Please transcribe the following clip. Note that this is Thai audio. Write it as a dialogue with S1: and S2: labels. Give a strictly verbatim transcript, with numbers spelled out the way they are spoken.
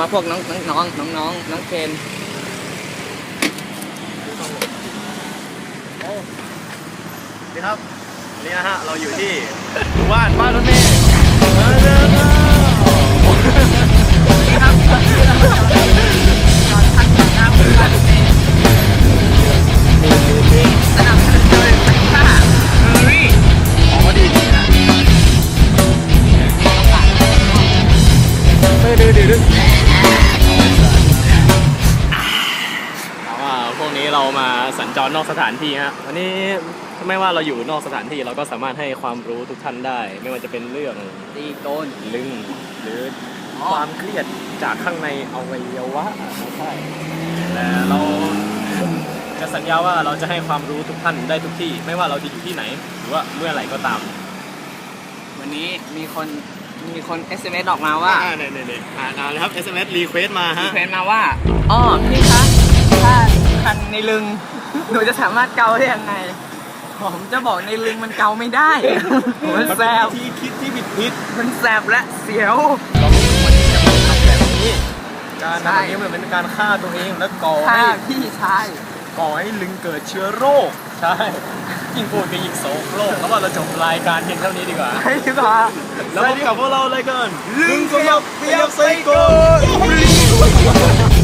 S1: พวกน้องน้องน้องน้องน้องเคน
S2: นี่ครับวันนี้นะฮะเราอยู่ที่หมู่บ้านบ้านรถเมล์มาเดินมา
S1: นี่ครับตอนพักของน้ำบ้านรถเมล์สนับสนุนโดยไฟฟ้าเฮอรี่ของก็ดีดีนะ
S2: ไม่ดื้อดื้อดื้อถามว่าพวกนี้เรามาสัญจรนอกสถานที่ฮะวันนี้ไม่ว่าเราอยู่นอกสถานที่เราก็สามารถให้ความรู้ทุกท่านได้ไม่ว่าจะเป็นเรื่อง
S1: ตีโกน
S2: ลึงหรือความเครียดจากข้างในอวัยวะใช่แต่เราจะสัญญาว่าเราจะให้ความรู้ทุกท่านได้ทุกที่ไม่ว่าเราจะอยู่ที่ไหนหรือว่าเมื่อไหร่ก็ตาม
S1: วันนี้มีคนมีคน เอส เอ็ม เอส ออกมาว่า
S2: อ่าเนี่ยเนี่ยอ่านานเลยครับ เอส เอ็ม เอส รีเควสมาฮะ
S1: รีเควสมาว่าอ๋อพี่คะถ้าคันในลึงหนูจะสามารถเกาได้ยังไงผมจะบอกในลึงมันเกาไม่ได้มันแสบ
S2: ที่คิดที่ผิดผิด
S1: มันแสบและเสียว
S2: เราไม่ควรที่จะทำแบบนี้การทำแบบนี้มันเป็นการฆ่าตัวเองและก่อให้
S1: พี่ชาย
S2: ก่อให้ลึงเกิดเชื้อโรคใช่ยิ่งพูดก็ยิ่งโศกโรคแล้วว่าเราจบรายการเพียงเท่านี้ดีกว่า
S1: ใช่ดีกว่า
S2: แล้วพบกับพวกเราเลยกัน
S1: ลึงขยับขยับไซโก้